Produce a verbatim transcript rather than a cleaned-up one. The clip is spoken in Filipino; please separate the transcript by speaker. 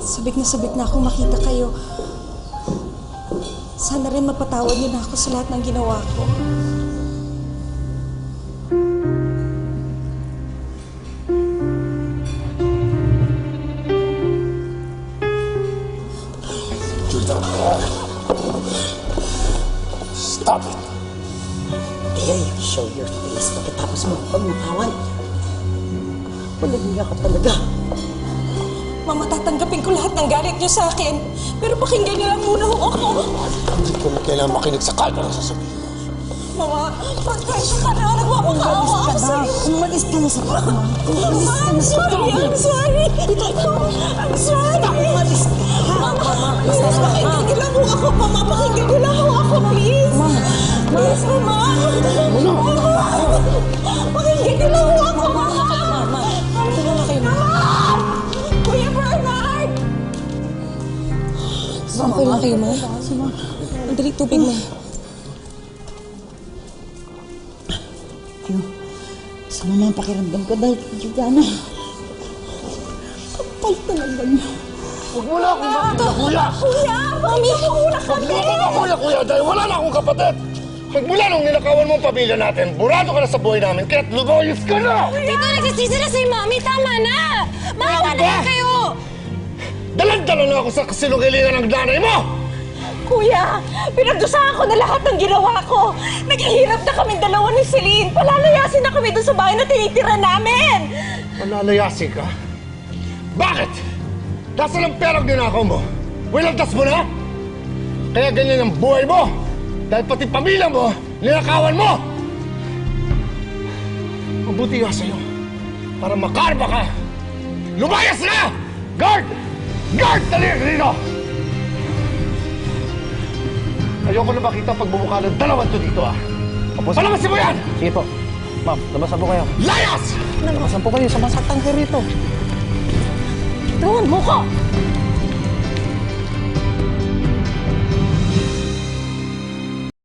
Speaker 1: Sabik na sabik na akong makita kayo. Sana rin mapatawad niyo na ako sa lahat ng ginawa ko.
Speaker 2: Stop it!
Speaker 3: Dare you show your face pagkatapos mo pagmakawan? Walang niya ka talaga.
Speaker 1: Mama, tatanggapin ko lahat ng galit niyo sa akin. Pero pakinggan niyo lang muna ho ako.
Speaker 2: Hindi ko na kailangan makinig sa kalma na sasabihin.
Speaker 1: Mama, pagkasya ka na. Nagmamakawa ako sa'yo.
Speaker 3: Umalis ka na sa kama. Umalis ka na sa kama.
Speaker 1: I'm sorry. I'm sorry.
Speaker 3: Umalis ka.
Speaker 1: Mama, please, pakinggan niyo lang ho ako. Mama, pakinggan niyo lang ho ako, please. Please, Mama. Mama. Pakinggan niyo lang ho ako, Mama. Mama. Tulungan na kayo, Mama. Kuya Bernard! Okay lang kayo, Ma? Ang dali tubig, Ma.
Speaker 3: Ano? Sama na ang pakiramdam ko dahil kay Juliana. Kapal talaga niya.
Speaker 2: Huwag mo na akong makita, kuya!
Speaker 1: Kuya! Mami! Muna
Speaker 2: Huwag mo akong makuya, kuya, dahil wala na akong kapatid! Magmula nung ninakawan mo ang pamilya natin, burado ka na sa buhay namin, kaya't lumayos ka na!
Speaker 1: Dito, nagsisisi na si Mami. Tama na! Maawa na kayo!
Speaker 2: Dalan-dala na ako sa kasinungalingan ng nanay mo!
Speaker 1: Kuya, pinagdusahan ko na lahat ng ginawa ko. Naghihirap na kami dalawa ni Celine. Palalayasin na kami doon sa bahay na tinitira namin.
Speaker 2: Malalayasin ka? Bakit? Nasaan ang perang ninakaw mo? Wilantas mo na? Kaya ganyan ang buhay mo! Dahil pati pamilya mo, ninakawan mo! Mabuti nga sa'yo. Para makarma ka! Lumayas na! Guard! Guard! Dali rito! Ayoko na makita pagbumuka ng dalawang to dito, ah! Palamasin mo yan!
Speaker 4: Sige po. Ma'am, labasan po kayo.
Speaker 2: Layas!
Speaker 4: Labasan po kayo. Sumasaktan kayo rito.
Speaker 1: Tawan mo ko!